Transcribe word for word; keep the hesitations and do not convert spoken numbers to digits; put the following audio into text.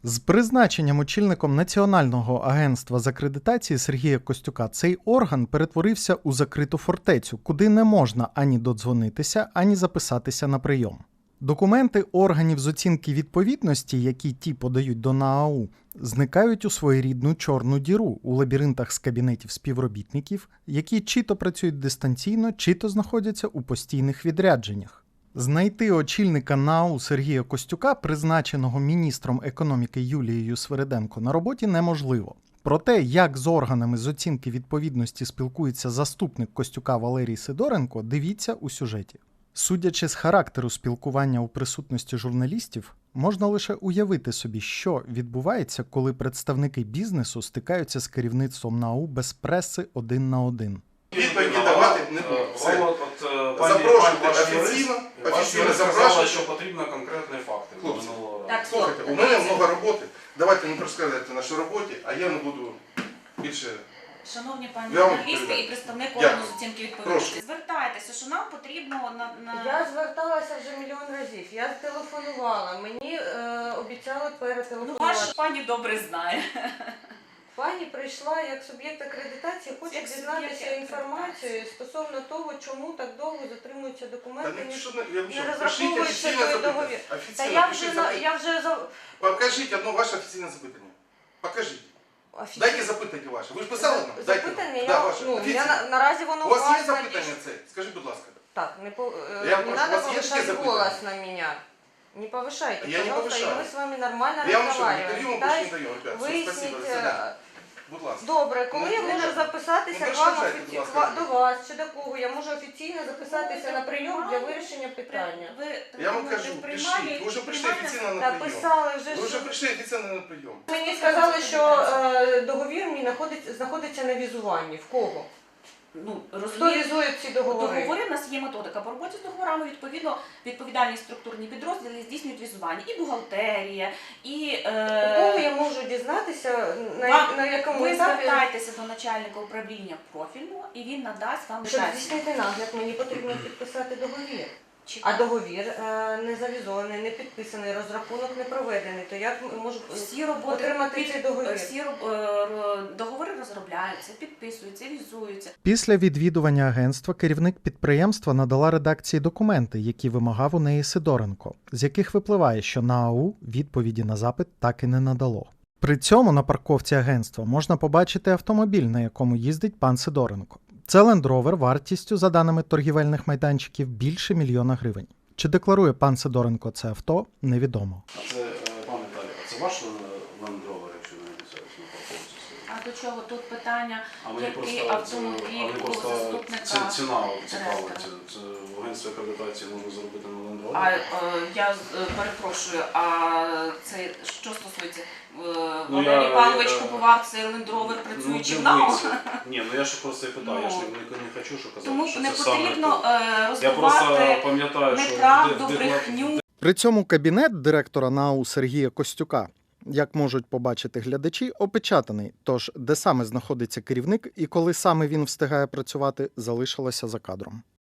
З призначенням очільником Національного агентства з акредитації Сергія Костюка цей орган перетворився у закриту фортецю, куди не можна ані додзвонитися, ані записатися на прийом. Документи органів з оцінки відповідності, які ті подають до НААУ, зникають у своєрідну чорну діру у лабіринтах з кабінетів співробітників, які чи то працюють дистанційно, чи то знаходяться у постійних відрядженнях. Знайти очільника НААУ Сергія Костюка, призначеного міністром економіки Юлією Свириденко, на роботі неможливо. Про те, як з органами з оцінки відповідності спілкується заступник Костюка Валерій Сидоренко, дивіться у сюжеті. Судячи з характеру спілкування у присутності журналістів, можна лише уявити собі, що відбувається, коли представники бізнесу стикаються з керівництвом НААУ без преси один на один. Відповіді давати не буду. Запрошуйте офіційно, офіційно запрошуйте. Що потрібно конкретні факти. Хлопці, Так, слухайте, у мене багато роботи. Давайте не розказуйте нашій роботі, а я не буду більше... Шановні пані Я вам журналісти відповідаю. і представник Дякую. органу з оцінки відповідності, звертайтеся, що нам потрібно на... на... Я зверталася вже мільйон разів, я телефонувала, мені е, обіцяли Ну, перетелефонувати. ваш пані добре знає. Пані прийшла як суб'єкт акредитації, хоче Як дізнатися суб'єкт інформацію стосовно того, чому так довго затримуються Та документи, не, ні- що, я вам не що, пишіть розраховується офіційне той договір. запитання. Та Офіційно я пишіть вже, на- запитання. я вже за... Покажіть одно ваше офіційне запитання. Покажіть. Офіці- Дайте запитання ваше. Ви ж писали нам? Дайте нам. Запитання, Да, я, ваше. ну, Офіційне. я, на- наразі воно У вас є надійшло. запитання це? Скажіть, будь ласка. Так, не, по, э, Я не прошу, надо у вас есть повышать такие голос запытания? на меня. Не повышайте, Я не пожалуйста, повышаю. и мы с вами нормально Я вам що, разговариваем. інтерв'ю вам більше не Пытаюсь даю, ребят. Все, выяснить, спасибо, до э, свидания. Будь ласка. Добре, коли Ну, я можу дуже. записатися Ну, к вам перешкоджайте, офіці... будь ласка. до вас чи до кого? Я можу офіційно записатися на прийом для вирішення питання. Ви Я вам телефонуєте кажу, в приймальні, пишіть. Ви вже прийшли приймальня- офіційно на Та прийом. писали вже, Ви вже що... прийшли офіційно на прийом. Мені сказали, що е, договір мій знаходиться, знаходиться на візуванні. В кого? Ну, Хто розумієте, візує ці договори? договори в нас є методика. По роботі з договорами, відповідно, відповідальні структурні підрозділи здійснюють візування. І бухгалтерія, і... У Е... кого я можу дізнатися, на, Вам- на якому Ви етапі? звертайтеся до начальника управління профільного, і він надасть вам Щоб деталі. здійснити нагляд, мені потрібно підписати договір. Чи- А договір е, не завізований, не підписаний, розрахунок не проведений. То як можу Всі роботи, отримати під- цей договір? всі роб- е, ро- договори розробляються, підписуються, візуються. Після відвідування агентства керівник підприємства надала редакції документи, які вимагав у неї Сидоренко, з яких випливає, що НААУ відповіді на запит так і не надало. При цьому на парковці агентства можна побачити автомобіль, на якому їздить пан Сидоренко. Це Land Rover вартістю, за даними торгівельних майданчиків, більше мільйона гривень. Чи декларує пан Сидоренко це авто, невідомо. А це, е, пане Віталій, а це ваш Land Rover, якщо не обіцяюсь, на парковці стоїть? А до чого тут питання, А мені який просто, автомобіль а мені у просто заступника ці- ціна цікава. директора? Це, це в агентстві акредитації можна заробити на Land Rover? А е, я е, перепрошую, а це що стосується? Е, Ну, Валерій я- Павлович я- купував цей Land Rover, працюючи в НАУ? дивіться. Ні, ну я ж просто і питаю, я ж не, не, не хочу, що казати, Тому що не це саме потрібно то. е, Я просто роздавати пам'ятаю, що неправду, в де- в деклар- брехню. При цьому кабінет директора НААУ Сергія Костюка, як можуть побачити глядачі, опечатаний, тож де саме знаходиться керівник і коли саме він встигає працювати, залишилося за кадром.